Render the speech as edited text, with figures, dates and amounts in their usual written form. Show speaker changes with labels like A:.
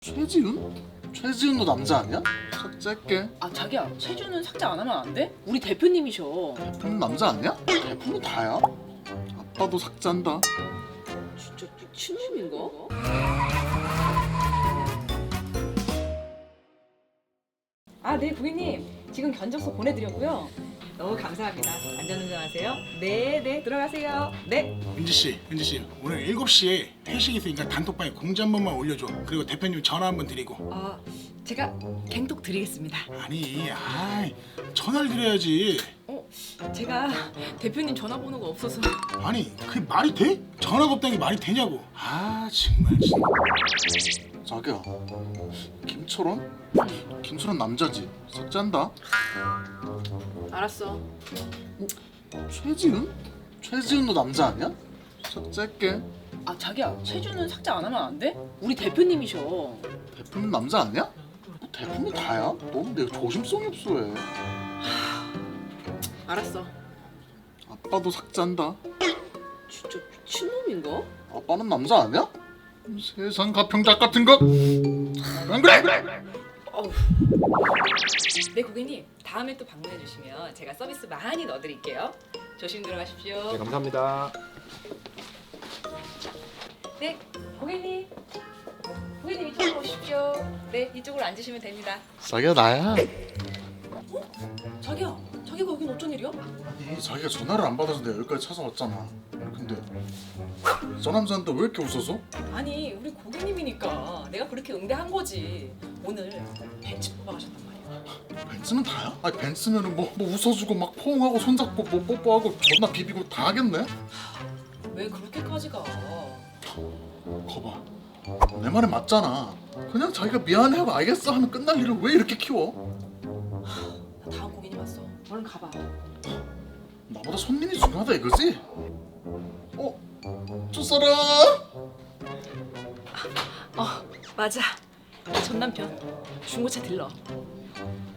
A: 최지훈? 최지훈도 남자 아니야? 삭제할게.
B: 아 자기야, 최준은 삭제 안 하면 안 돼? 우리 대표님이셔.
A: 대표는 남자 아니야? 대표는 다야. 아빠도 삭제한다.
B: 진짜 미친놈인가?
C: 아, 네, 고객님. 지금 견적서 보내드렸고요. 너무 감사합니다. 안전운전하세요. 네, 네, 들어가세요. 네.
D: 은지 씨, 오늘 7시에 회식 있으니까 단톡방에 공지 한 번만 올려줘. 그리고 대표님 전화 한 번 드리고.
C: 제가 갱톡 드리겠습니다.
D: 아니, 전화를 드려야지.
C: 제가 대표님 전화번호가 없어서.
D: 아니, 그게 말이 돼? 전화가 없다는 게 말이 되냐고. 정말 진짜.
A: 자기야, 김철원? 김철원 남자지. 삭제한다.
B: 알았어.
A: 최지훈? 최지훈도 남자 아니야? 삭제할게.
B: 아 자기야, 최준은 삭제 안 하면 안 돼? 우리 대표님이셔.
A: 대표는 남자 아니야? 뭐 대표는 다야? 너무 내가 조심성이 없어해.
B: 알았어.
A: 아빠도 삭제한다.
B: 진짜 미친놈인가?
A: 아빠는 남자 아니야? 세상 가평작 같은 거. 안 그래?
B: 어우.
C: 네, 고객님. 다음에 또 방문해 주시면 제가 서비스 많이 넣어드릴게요. 조심 들어가십시오.
E: 네, 감사합니다.
C: 네, 고객님. 고객님 이쪽으로 오십시오. 네, 이쪽으로 앉으시면 됩니다.
A: 자기야 나야.
B: 자기야, 자기가 여긴 어쩐 일이야?
A: 아니 자기가 전화를 안 받아서 내가 여기까지 찾아왔잖아. 근데 저 남자한테 왜 이렇게 웃어서?
C: 아니, 우리 고객님이니까 내가 그렇게 응대한 거지. 오늘 벤츠 뽑아가셨단 말이야.
A: 벤츠는 다야? 아니 벤츠면은 뭐 웃어주고 막 포옹하고 손잡고 뭐 뽀뽀하고 존나 비비고 다 하겠네?
C: 왜 그렇게까지 가?
A: 거봐 내 말이 맞잖아. 그냥 자기가 미안해 하고 알겠어 하면 끝날 일을 왜 이렇게 키워?
C: 나 다음 고객님 왔어. 얼른 가봐.
A: 나보다 손님이 중요하다 이거지? 저 사람?
C: 맞아. 전 남편 중고차 딜러.